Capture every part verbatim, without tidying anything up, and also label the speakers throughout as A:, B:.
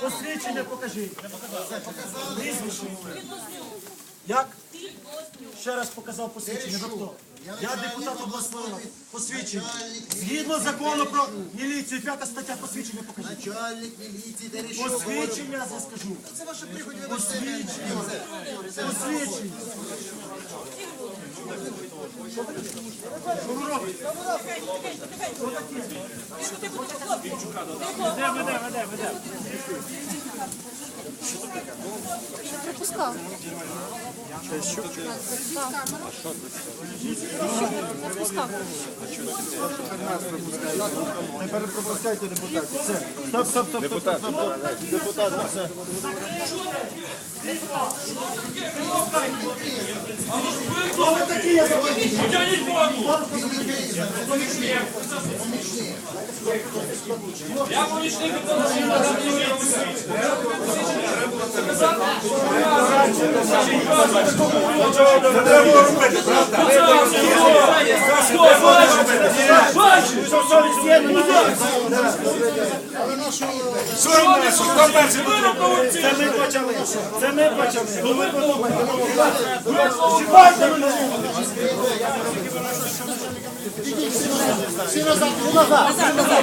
A: Посвідчення покажіть. Прізвище. Як? Ще раз показав посвідчення. Ви хто? Я депутат обласної ради. Посвідчення. Згідно закону про міліцію, п'ята стаття, посвідчення покажіть.
B: Начальник міліції Терещук.
A: Посвідчення я скажу.
B: Це ваше приході,
A: Посвідчення. Посвідчення. Що ви робите? Веде, веде, веде, веде.
C: Пропускав. Пропускав.
A: Тепер пропускайте депутатів. Все. Стоп, стоп, стоп, стоп, стоп, стоп. Депутат, все. Хто ви такі, я забув?
D: Я помічник
A: Це ми почали. Це ми почали. Ну ви подумайте. Чіпайте мене. Всі назад, всі назад.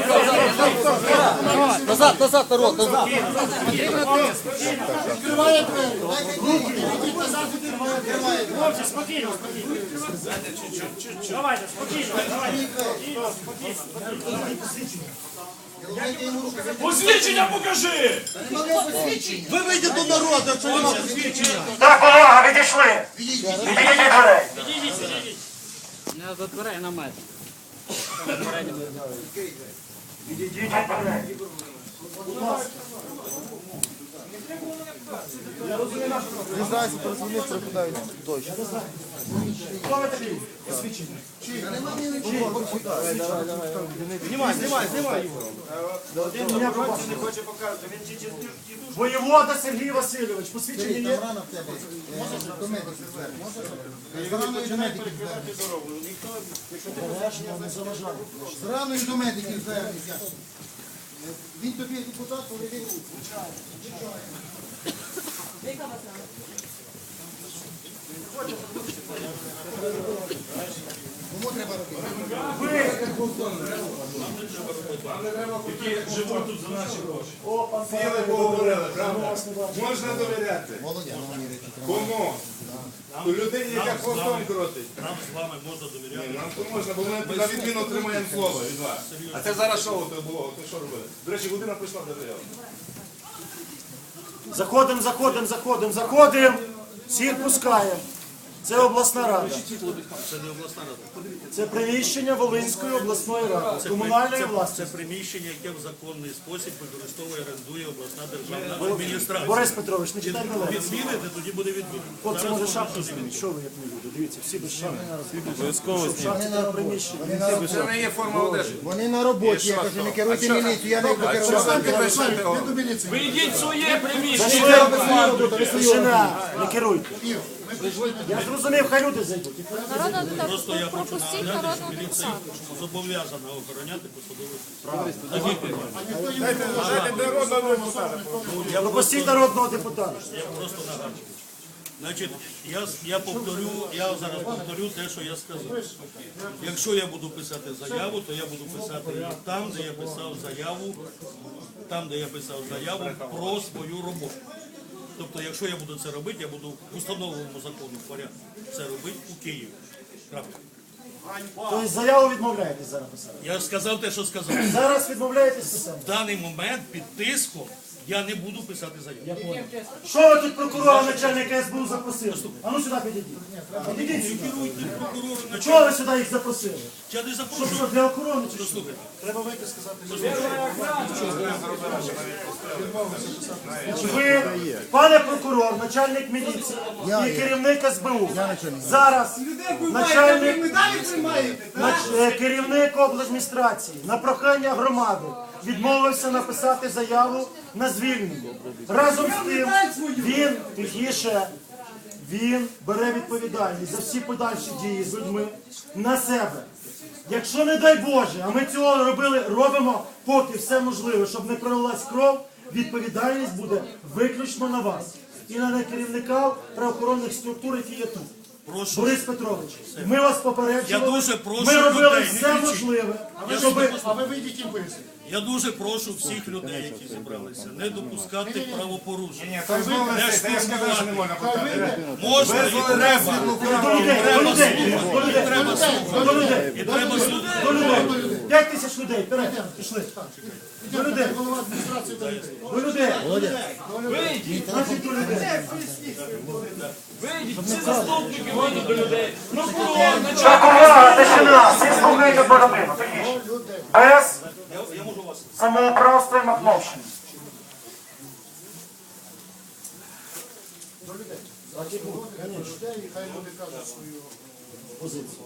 B: Назад, назад, народ, назад.
A: Відкриває двері. Руки назад відкриває. Хлопці, спокійно, спокійно. Давайте, спокійно, давайте.
D: посвідчення покажи!
B: Ви вийдете до народу, якщо нема посвідчення.
A: Так, увага, відійшли. Відійдіть дверей.
E: Не до дверей на метр.
A: Відійдіть від дверей.
B: Не знаю, що перезвонив, припадають дощ.
A: Хто ви такий? Посвідчення.
B: Знімай, знімай, знімай його.
A: Не хоче показувати. Воєвода Сергій Васильович. Посвідчення є?
B: Рано в тебе. До медиків звернеш. З раною до медиків звернеш. З раною до медиків звернешся. Він тобі депутат, поведи руку. Кому треба робити?
F: Які живуть тут за наші гроші. Сіли, поговорили, правда? Можна довіряти.
B: Володя, ну мені речі.
F: Кому? Ту людині, яка хвостом крутить.
D: Нам з вами можна довіряти.
F: Ні, нам то можна, бо ми на відміну отримаємо слово від вас. А це зараз шоу то було, то що робили? До речі, година прийшла до заяву.
A: Заходимо, заходимо, заходимо, заходимо. Всіх пускаємо. Це обласна рада.
D: Це не обласна рада.
A: Це приміщення Волинської обласної ради. Комунальної
D: Це
A: власності.
D: приміщення, яке в законний спосіб використовує, орендує обласна державна адміністрація.
A: Борис Петрович, не читайте мене.
D: Відміните, тоді буде відмінено.
A: Хлопці, може шапку змінити? Що ви як не люди? Дивіться, всі без шапки. Обов'язково змінити. приміщення.
F: Це не є форма одежі.
B: Вони на роботі, я кажу, не керуйте міліцію, я не буду керувати.
D: Ви йдіть в своє приміщення.
A: Тишина, не керуйте. Я зрозумів, хай люди зайдуть.
C: Народна
D: Просто я
C: депутат.
D: хочу
C: Пропустіть
D: нагадати, що
C: народного
D: міліція
C: депутата.
D: зобов'язана охороняти посадові справи.
A: Пропустіть народного депутата.
D: Я просто нагадую. Значить, я, я повторю, я зараз повторю те, що я сказав. Якщо я буду писати заяву, то я буду писати її там, де я писав заяву, там, де я писав заяву про свою роботу. Тобто, якщо я буду це робити, я буду в установленому закону порядку це робити у Києві. Крапка.
A: Тобто заяву відмовляєтесь зараз писати.
D: Я сказав те, що сказав.
A: Зараз відмовляєтесь писати.
D: В даний момент під тиском я не буду писати заяву.
A: Що ви тут прокурора начальника ес бе у запросили? А ну сюди підійдіть. Підійдіть сюди.
D: Прокурор,
A: Чого ви сюди їх запросили?
D: я не
A: Що,
D: запрошую.
A: що, для охорони чи що?
D: Слухайте,
A: Треба вийти сказати. Ви, пане прокурор, начальник міліції і керівник ес бе у. Зараз начальник, нач- е, керівник обладміністрації на прохання громади відмовився написати заяву на звільнення. Разом з тим він, тихіше, він бере відповідальність за всі подальші дії з людьми на себе. Якщо, не дай Боже, а ми цього робили, робимо поки все можливе, щоб не пролилась кров, відповідальність буде виключно на вас і на керівника правоохоронних структур, які є тут.
D: Прошу.
A: Борис Петрович, ми вас попереджували,
D: Я дуже прошу
A: ми робили
D: людей, не
A: все
D: кричіть.
A: можливе,
D: Я
A: щоб...
D: дуже
B: А ви вийдіть їм поясніть.
D: Я дуже прошу всіх людей, які зібралися, не допускати правопорушень.
F: Ні, то дозволили, це я сказав, що не можна пускати.
D: Можна і треба.
A: До людей, до людей, до людей,
D: Треба слухати.
A: до людей,
D: І треба слухати.
A: до людей. П'ять тисяч людей, вперед, пішли. До людей,
B: Голова адміністрації до людей.
A: до людей. Значить, до людей. Так, увага, тишина, всі слухайте бородину. Без
D: Я можу вас.
A: самоуправства і махновщини.
B: Людей, хай люди кажуть свою позицію.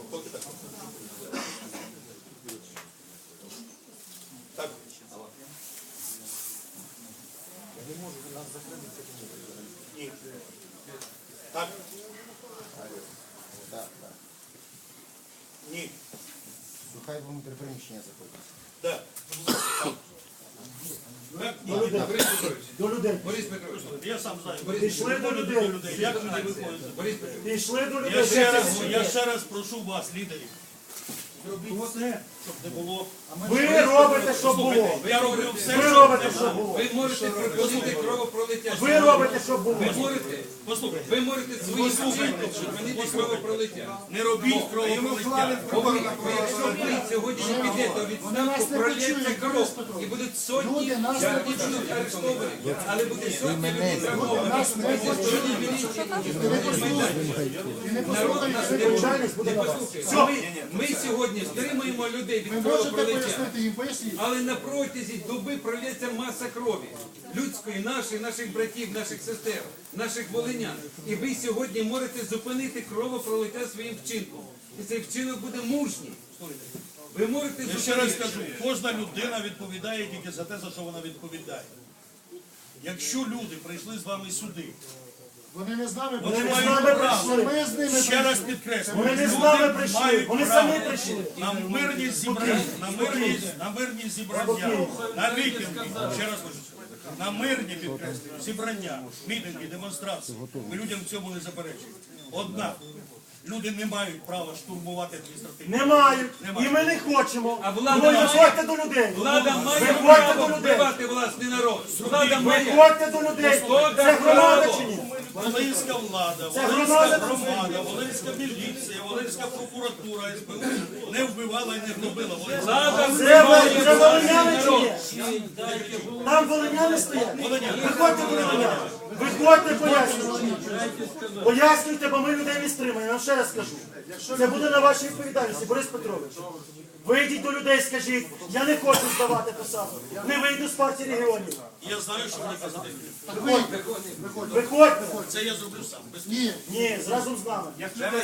D: Так. Ні. Так. Ні.
B: Хай внутрі приміщення заходять.
D: Так. Так, ні.
A: До людей.
D: Я сам знаю.
A: Пішли до
D: До
A: людей.
D: людей. Як люди виходять?
A: Пішли до
D: Я
A: людей.
D: ще раз, я ще раз прошу вас, лідерів. Зробіть все, щоб не було.
A: Ви робите, що було.
D: Я роблю все,
A: Ви
D: щоб
A: робите,
D: не
A: що
D: було.
A: було.
G: Ви можете припинити кровопролиття.
A: Ви робите, що було.
G: Ви можете,
D: Послухайте,
G: ви можете своїм вчинком припинити кровопролиття.
D: не робіть кровопролиття.
G: Бо якщо ви сьогодні не підете у відставку, пролється кров. І будуть сотні, сьогодні будуть арештовані, але буде сотні людей травмовані. Сьогодні міліція, народ нас не
A: Відповідальність буде на вас.
G: послухає. Ми, ми сьогодні стримуємо людей від
B: Ви можете
G: кровопролиття.
B: пояснити їм, поясніть.
G: Але на протязі доби пролється маса крові. Людської, нашої, наших братів, наших сестер, наших волинян. І ви сьогодні можете зупинити кровопролиття своїм вчинком. І цей вчинок буде мужній. Ви можете
D: Я ще раз
G: зупинити.
D: кажу, кожна людина відповідає тільки за те, за що вона відповідає. Якщо люди прийшли з вами сюди,
B: Вони не з нами
D: вони
A: Вони з
B: прийшли.
A: нами
D: мають право.
A: прийшли.
B: Ми з ними
D: Ще раз
B: прийшли.
D: підкреслюю,
A: Вони не з
D: люди
A: нами прийшли.
D: мають
A: Вони
D: право
A: самі прийшли.
D: на мирні зібрання, на мирні, на мирні зібрання, на мітинги, ще раз кажу, на мирні підкреслюю, зібрання, мітинги, демонстрації. Ми людям в цьому не заперечуємо. Однак люди не мають права штурмувати адміністративні.
A: Не мають. І ми не хочемо.
G: А влада
A: Ви
G: має-
A: виходьте до людей.
G: Влада має
A: Виходьте
G: право
A: до людей.
G: вбивати власний народ. Влада має.
A: Виходьте до людей. Це громада чи ні?
D: Волинська влада,
A: Це
D: Волинська
A: громада.
D: громада, Волинська міліція, Волинська прокуратура, ес бе у не вбивала і не гнобила Волинська.
G: Влада
A: Це,
G: вбиває
A: ви- це волиняни
G: народ.
A: чи ні? Там волиняни стоять. Виходьте до людей. Виходьте, пояснюйте. Пояснюйте, бо ми людей не стримаємо. Я вам ще раз скажу. Це буде на вашій відповідальності, Борис Петрович. Вийдіть до людей, скажіть, я не хочу здавати посаду. Не вийду з партії регіонів.
D: Я знаю, що вони казати.
A: Виходьте.
D: Це я зроблю сам. Без...
B: Ні.
A: Ні, разом з нами.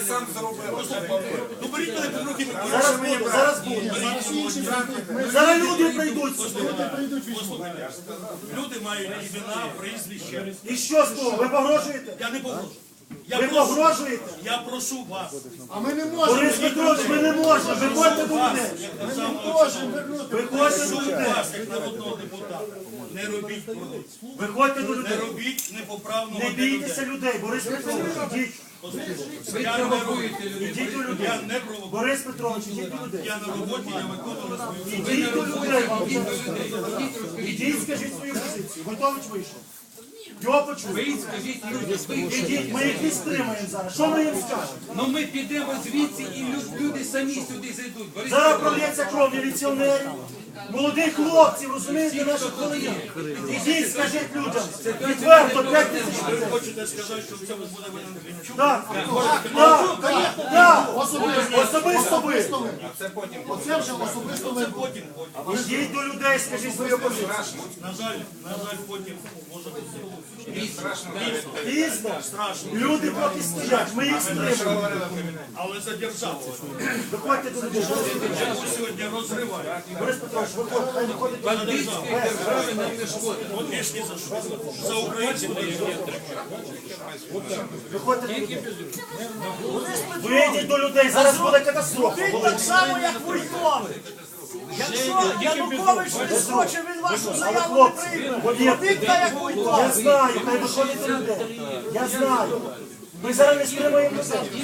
D: Ну беріть мене під руки.
A: Зараз буде, зараз буде. Зараз люди прийдуть.
D: Послухайте, люди мають імена, прізвища.
A: І що з того? Ви погрожуєте?
D: Я не погрожую. Я
A: Ви
D: прошу,
A: погрожуєте?
D: я прошу вас.
B: А ми не можемо.
A: Борис Петрович, ми не можемо. Виходьте до людей.
D: Як саме
B: Можемо вернути.
A: Виходьте до
D: прошу
A: людей.
D: вас, як народного депутата, не робіть корупцію.
A: Виходьте до
D: Не
A: людей.
D: робіть непоправного
A: Не
D: для людей.
A: бійтеся людей, Борис Петрович, ідіть.
G: Ви
D: Я не
G: провокуєте людей.
A: Ідіть до людей.
D: Я не провокую.
A: Борис Петрович, ідіть до людей.
D: Я на роботі, я виконую свою.
A: Ідіть до людей. вам вже. Ідіть, скажіть свою позицію. Готович вийшов. Його почули.
G: Ви скажіть людям, ви
A: Ідіть, ми їх не стримаємо зараз. Що ми їм скажемо?
G: Ну ми підемо звідси і лю- люди самі сюди зайдуть. Борис
A: Зараз
G: Петрович,
A: пролється кров міліціонерів, молодих хлопців, розумієте, наших волинян. Ідіть, скажіть людям. Відверто, п'ять тисяч
D: Ви
A: людей.
D: хочете сказати, що в цьому буде винен Гринчук?
A: Так, так, так. Особисто ви.
B: Оце вже особисто ви.
D: Потім, потім.
A: Ідіть до людей, скажіть свою позицію.
D: На жаль, на жаль, потім може бути.
A: Пізно.
D: Страшно.
A: Люди поки стоять, ми їх стримуємо.
D: Але за державу.
A: Виходьте до людей.
D: Яку сьогодні розривають.
A: Борис Петрович, виходьте, хай виходить.
G: бандитської держави нам не шкодить.
D: От більш ні за що. За українців не є.
A: Виходьте до людей. Вийдіть до людей, зараз буде катастрофа.
H: Так само, як Вуйкови. Якщо Янукович не схоче, він вашу
A: Але
H: заяву не
A: хлопці,
H: прийме.
A: повірте,
H: Повірте, як ви
A: я знаю, хай виходить до людей. Я знаю. Ми зараз не стримуємо людей.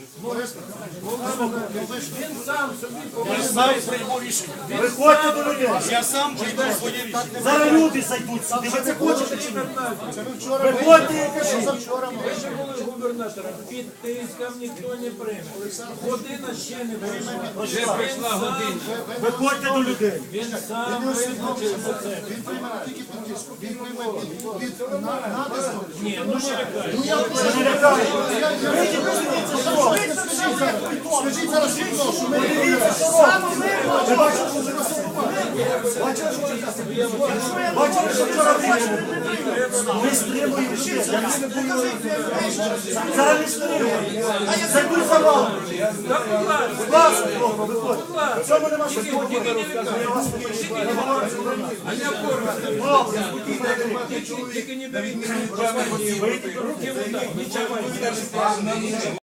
H: Він сам собі
D: Я сам прийму рішення.
A: Виходьте до людей.
D: Я сам прийму своє рішення.
A: Зараз люди зайдуть сюди. Ви це хочете чи ні? Виходьте і кажіть.
H: Вище були губернатора, під тиском ніхто не прийме. Година ще не прийшла.
G: Вже прийшла година.
A: Виходьте до людей.
H: Він сам визначив за це.
B: Він прийме не тільки під тиском, він прийме під, під на- натиском.
H: Ні, ну не лякай.
A: Ми не лякаємо. Вийдіть, подивіться, що робить.
B: Скажіть зараз, хто, що ми
A: Подивіться, що робить. Ви бачите, що ви Бачили, що вчора Бачили, що вчора вийшли? Ми стримуємо ще. Зараз не стримуємо. Зайдуть за вами. Будь ласка, хлопці, виходьте. В цьому нема що говорити. Ми вас не почуємо.
G: А не оформити.
A: Добре.
G: Тільки не беріть руки в руки, нічого.